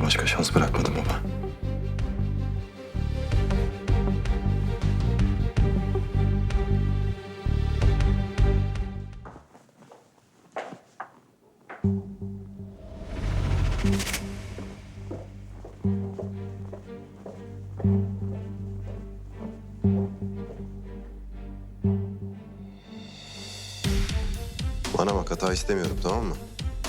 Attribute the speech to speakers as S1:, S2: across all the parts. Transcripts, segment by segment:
S1: başka şans bırakmadım baba. Bana bak, hata istemiyorum, tamam mı?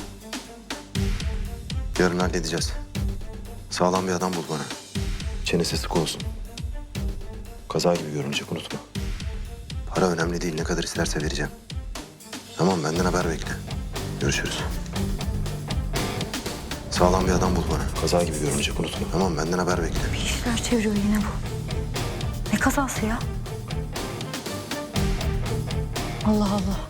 S1: Yarın halledeceğiz. Sağlam bir adam bul bana. Çenesi sık olsun. Kaza gibi görünecek, unutma. Para önemli değil, ne kadar isterse vereceğim. Tamam, benden haber bekle. Görüşürüz. Sağlam bir adam bul bana. Kaza gibi görünecek, unutma. Tamam, benden haber bekle.
S2: Bir işler çeviriyor yine bu. Ne kazası ya? Allah Allah.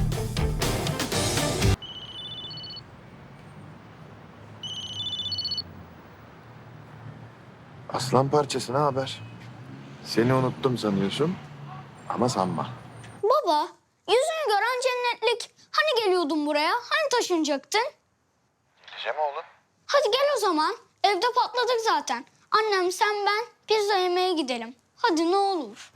S3: Aslan parçası, ne haber? Seni unuttum sanıyorsun ama sanma.
S4: Baba, yüzünü gören cennetlik. Hani geliyordun buraya? Hani taşınacaktın?
S3: Geleceğim oğlum.
S4: Hadi gel o zaman. Evde patladık zaten. Annem, sen, ben pizza yemeye gidelim. Hadi ne olur.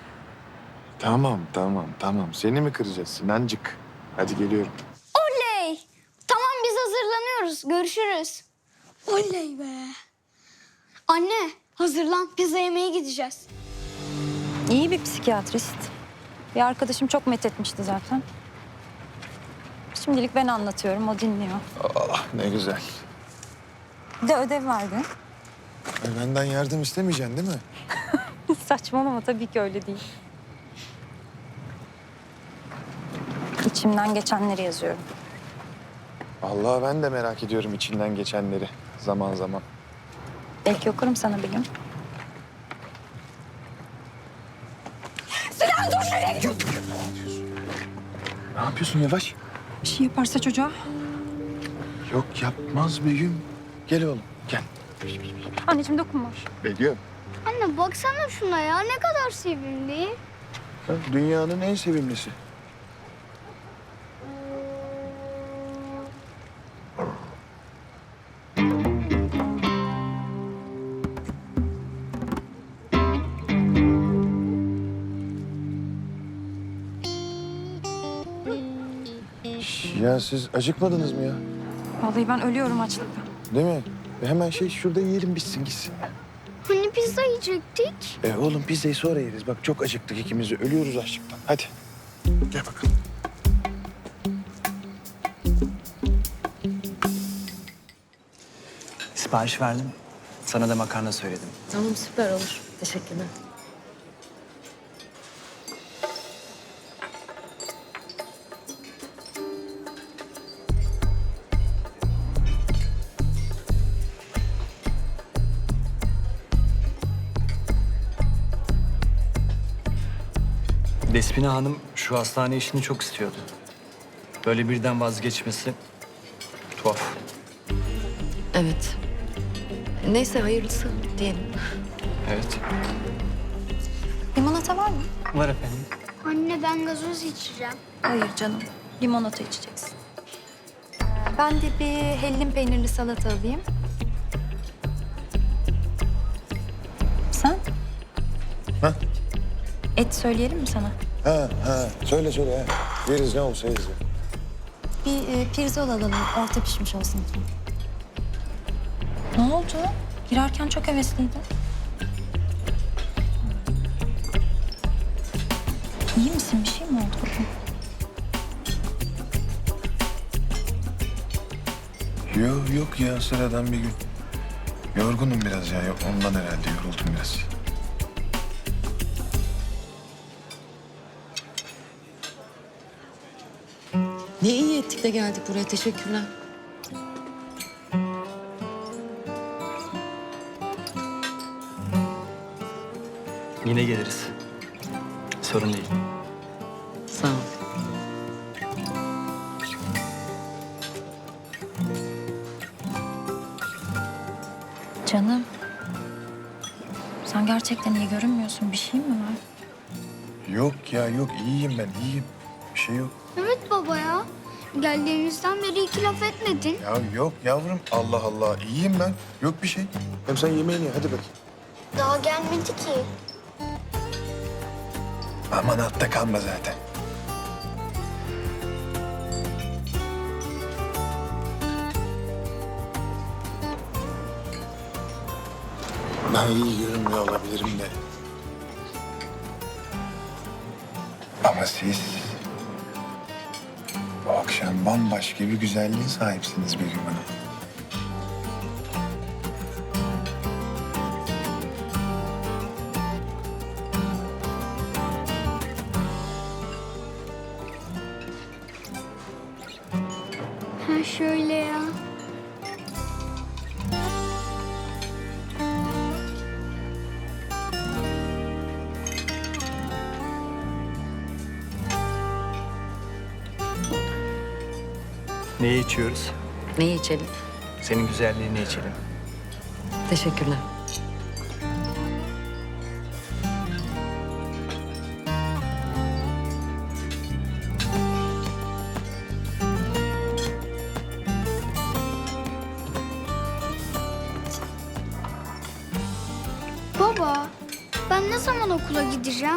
S3: Tamam. Seni mi kıracağız Sinancık? Hadi geliyorum.
S4: Oley! Tamam, biz hazırlanıyoruz. Görüşürüz. Oley be. Anne, hazırlan. Pizza yemeye gideceğiz.
S2: İyi bir psikiyatrist. Bir arkadaşım çok methetmişti zaten. Şimdilik ben anlatıyorum, o dinliyor.
S3: Allah ne güzel.
S2: Bir de ödev verdi.
S3: Benden yardım istemeyeceksin değil mi?
S2: Saçmalama, tabii ki öyle değil. İçimden geçenleri yazıyorum.
S3: Vallahi ben de merak ediyorum içinden geçenleri zaman zaman.
S2: Belki okurum sana bir gün.
S3: Ne yapıyorsun yavaş?
S2: Bir şey yaparsa çocuğa.
S3: Yok yapmaz Begüm. Gel oğlum gel.
S2: Anneciğim dokunma.
S3: Begüm.
S4: Anne baksana şuna ya. Ne kadar sevimli.
S3: Dünyanın en sevimlisi. Ya siz acıkmadınız mı ya?
S2: Vallahi ben ölüyorum açlıktan.
S3: Değil mi? Hemen şurada yiyelim bitsin gitsin ya.
S4: Hani pizza yiyecektik?
S3: Oğlum pizzayı sonra yeriz. Bak çok acıktık ikimiz de. Ölüyoruz açlıktan. Hadi. Gel bakalım.
S5: Sipariş verdim. Sana da makarna söyledim.
S6: Tamam süper olur. Teşekkürler.
S5: Despina Hanım şu hastane işini çok istiyordu. Böyle birden vazgeçmesi tuhaf.
S6: Evet. Neyse hayırlısı diyelim.
S5: Evet.
S2: Limonata var mı?
S5: Var efendim.
S4: Anne ben gazoz içeceğim.
S2: Hayır canım. Limonata içeceksin. Ben de bir hellim peynirli salata alayım. Sen?
S3: Ha?
S2: Et söyleyelim mi sana?
S3: Ha. Söyle. Yeriz ne olsa yeriz.
S2: Bir pirzol alalım. Orta pişmiş olsun lütfen. Ne oldu? Girerken çok hevesliydin. İyi misin? Bir şey mi oldu bugün?
S3: Yok ya sıradan bir gün. Yorgunum biraz ya. Yok ondan herhalde yoruldum biraz.
S6: Ne iyi ettik de geldik buraya. Teşekkürler.
S5: Yine geliriz. Sorun değil.
S6: Sağ ol.
S2: Canım. Sen gerçekten iyi görünmüyorsun. Bir şey mi var?
S3: Yok ya yok iyiyim ben iyiyim. Bir şey yok.
S4: Evet baba ya. Geldiğimizden beri iki laf etmedin.
S3: Ya yok yavrum. Allah Allah. İyiyim ben. Yok bir şey. Hem sen yemeğini ye. Hadi bakayım.
S4: Daha gelmedi ki.
S3: Aman altta kalma zaten. Ben iyi görünmüyor olabilirim de. Ama siz bu akşam bambaşka bir güzelliğe sahipsiniz Begüm Hanım.
S4: Ha şöyle ya.
S5: Neyi içiyoruz?
S6: Neyi içelim?
S5: Senin güzelliğini içelim.
S6: Teşekkürler.
S4: Baba, ben ne zaman okula gideceğim?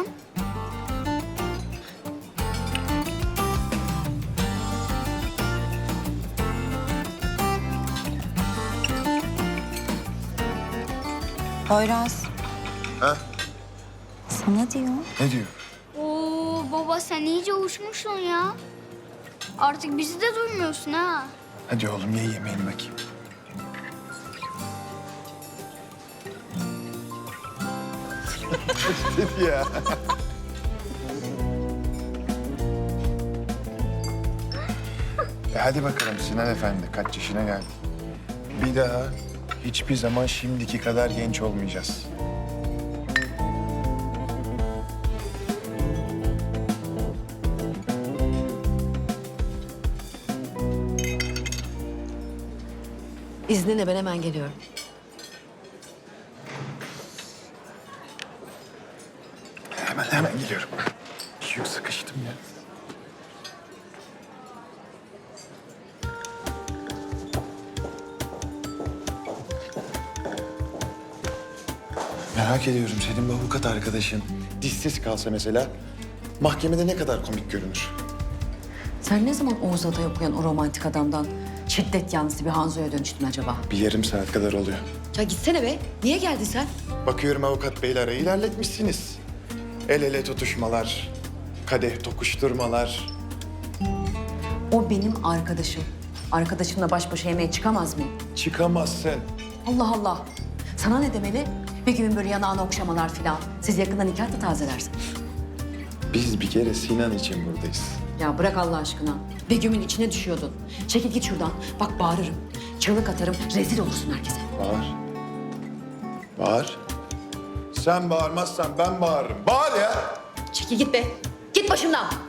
S2: Poyraz.
S3: Ha?
S2: Sana diyor.
S3: Ne diyor?
S4: Oo baba sen iyice uçmuşsun ya. Artık bizi de duymuyorsun ha.
S3: Hadi oğlum ye yemeğini bakayım. Dedi ya. Hadi bakalım Sinan Efendi kaç yaşına geldi. Bir daha hiçbir zaman şimdiki kadar genç olmayacağız.
S6: İzninle ben hemen geliyorum.
S3: Hemen geliyorum. Yok sıkıştım ya. Merak ediyorum senin bu avukat arkadaşın dişsiz kalsa mesela mahkemede ne kadar komik görünür?
S6: Sen ne zaman Oğuz Atay okuyan o romantik adamdan şiddet yanlısı bir Hanzo'ya dönüştün acaba?
S3: Bir yarım saat kadar oluyor.
S6: Ya gitsene be. Niye geldin sen?
S3: Bakıyorum avukat beyle arayı ilerletmişsiniz. El ele tutuşmalar, kadeh tokuşturmalar.
S6: O benim arkadaşım. Arkadaşımla baş başa yemeğe çıkamaz mıyım?
S3: Çıkamazsın.
S6: Allah Allah. Sana ne demeli? Bir gün böyle yanağına okşamalar filan. Siz yakında nikah da tazelersiniz.
S3: Biz bir kere Sinan için buradayız.
S6: Ya bırak Allah aşkına. Begüm'ün içine düşüyordun. Çekil git şuradan. Bak bağırırım. Çığlık atarım. Rezil olursun herkese.
S3: Bağır. Bağır. Sen bağırmazsan ben bağırırım. Bağır ya.
S6: Çekil git be. Git başımdan.